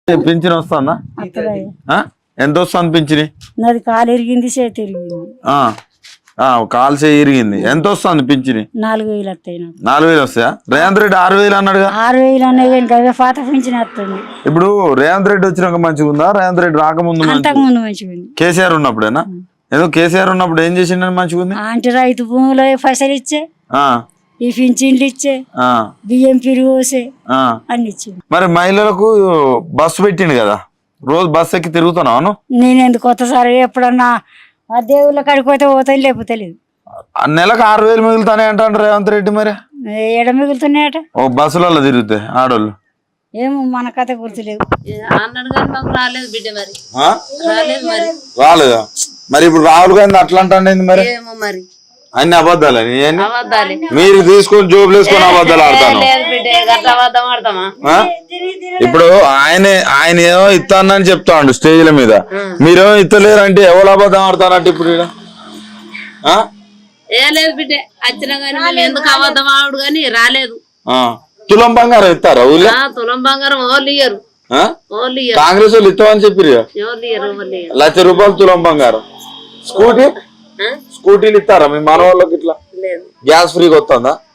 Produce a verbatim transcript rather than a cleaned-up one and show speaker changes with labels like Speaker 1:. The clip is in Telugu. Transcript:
Speaker 1: పింఛన్ వస్తుందా? ఎంత వస్తుంది పింఛని?
Speaker 2: నాది కాలు ఇరిగింది, చేతి ఇరిగింది.
Speaker 1: కాలు చేయి ఇరిగింది. ఎంత వస్తుంది పింఛని?
Speaker 2: నాలుగు వేలు వస్తాయి.
Speaker 1: నాలుగు వేలు వస్తాయా? రేవంత్ రెడ్డి ఆరు వేలు అన్నాడుగా.
Speaker 2: ఆరు వేలు అన్నాయి కానీ పాత పింఛన్ వస్తుంది.
Speaker 1: ఇప్పుడు రేవంత్ రెడ్డి వచ్చినాక మంచిగా ఉందా? రేవంత్ రెడ్డి రాకముందు
Speaker 2: అంతకుముందు మంచిగా ఉంది.
Speaker 1: కేసీఆర్ ఉన్నప్పుడేనా? ఏదో కేసీఆర్ ఉన్నప్పుడు ఏం చేసిండని మంచిగా ఉంది
Speaker 2: అంటే రైతు భూములో పైసలు ఇచ్చే, ఈ పింఛన్లు ఇచ్చే, బియ్యం పిరుగు పోసే అన్ని ఇచ్చే.
Speaker 1: మరి మహిళలకు బస్సు పెట్టిండు కదా, రోజు బస్సు ఎక్కి తిరుగుతున్నావు?
Speaker 2: నేను ఎందుకు కొత్తసారి ఎప్పుడన్నా ఆ దేవుళ్ళ కాడికి పోతే పోతాను, లేకపోతే లేదు.
Speaker 1: నెలకు ఆరు వేలు మిగులుతానే అంటాడు రేవంత్ రెడ్డి. మరి
Speaker 2: ఏడ మిగులుతున్నాయట
Speaker 1: ఓ బస్సులలో తిరుగుతాయి ఆడోళ్ళు.
Speaker 2: ఏమో మన కథ గుర్తులేదు.
Speaker 3: రాలేదు బిడ్డ, మరి
Speaker 1: రాలేదా? మరి ఇప్పుడు రాహుల్ గాంధీ అట్లా అంటాండి మరి.
Speaker 3: మరి
Speaker 1: అన్ని అబద్ధాలని మీరు తీసుకొని జోబులు వేసుకొని అబద్ధాలు ఆడతాను. ఇప్పుడు ఆయన ఆయన ఏమో ఇస్తానని చెప్తాండు స్టేజ్ల మీద, మీరేమో ఇస్తలేరు అంటే ఎవరు అబద్ధం ఆడతారంటే ఇప్పుడు
Speaker 3: ఏ లేదు బిడ్డ, వచ్చినా కానీ ఎందుకు అబద్ధం ఆడు కానీ రాలేదు.
Speaker 1: తులం బంగారం ఇస్తారా ఊళ్ళో?
Speaker 3: తులం బంగారం ఓళ్ళు ఇయ్యరు.
Speaker 1: కాంగ్రెస్ వాళ్ళు ఇస్తామని చెప్పారు. లక్ష రూపాయలు తులం బంగారం. స్కూటీ స్కూటీలు ఇస్తారా మీ మన వాళ్ళకి? ఇట్లా గ్యాస్ ఫ్రీగా వస్తుందా?